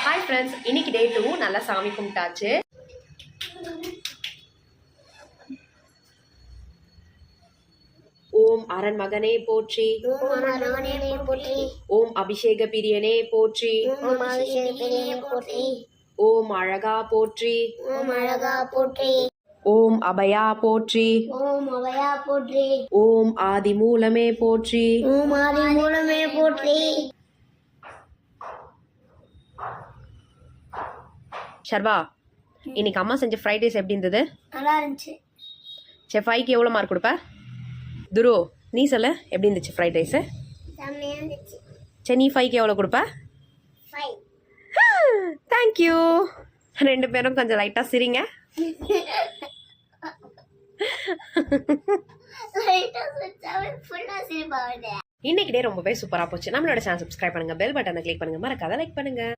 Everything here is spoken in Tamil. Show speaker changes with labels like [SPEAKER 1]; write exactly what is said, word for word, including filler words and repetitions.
[SPEAKER 1] ஹாய் ஃப்ரெண்ட்ஸ், இன்னைக்கு டே டூ நல்லா சாமி கும்பிட்டாச்சு. ஓம் அரண் மகனே போற்றி, ஓம் அபிஷேக பிரியனே போற்றி, ஓம் அழகா போற்றி,
[SPEAKER 2] ஓம் அழகா போற்றி,
[SPEAKER 1] ஓம் அபயா போற்றி,
[SPEAKER 2] ஓம் அபயா போற்றி,
[SPEAKER 1] ஓம் ஆதி மூலமே போற்றி,
[SPEAKER 2] ஓம் ஆதி மூலமே போற்றி.
[SPEAKER 1] ஷர்வா, இன்னைக்கு அம்மா செஞ்ச ஃப்ரைட் ரைஸ் எப்படி இருந்தது?
[SPEAKER 2] நல்லா இருந்துச்சு.
[SPEAKER 1] சரி, ஃபைவ்க்கு எவ்வளோ மார்க் கொடுப்ப? துரு, நீ சொல்ல எப்படி இருந்துச்சு ஃப்ரைட் ரைஸு?
[SPEAKER 2] செம்மையா இருந்துச்சு.
[SPEAKER 1] சரி, நீ ஃபைவ்க்கு எவ்வளோ கொடுப்ப?
[SPEAKER 2] ஃபைவ்.
[SPEAKER 1] தேங்க்யூ. ரெண்டு பேரும் கொஞ்சம் லைட்டாக சிரிங்க. இன்னைக்கு டே ரொம்பவே சூப்பராக போச்சு. நம்மளோட சேனல் சப்ஸ்கிரைப் பண்ணுங்க, பெல் பட்டனை கிளிக் பண்ணுங்க, மறக்காத லைக் பண்ணுங்க.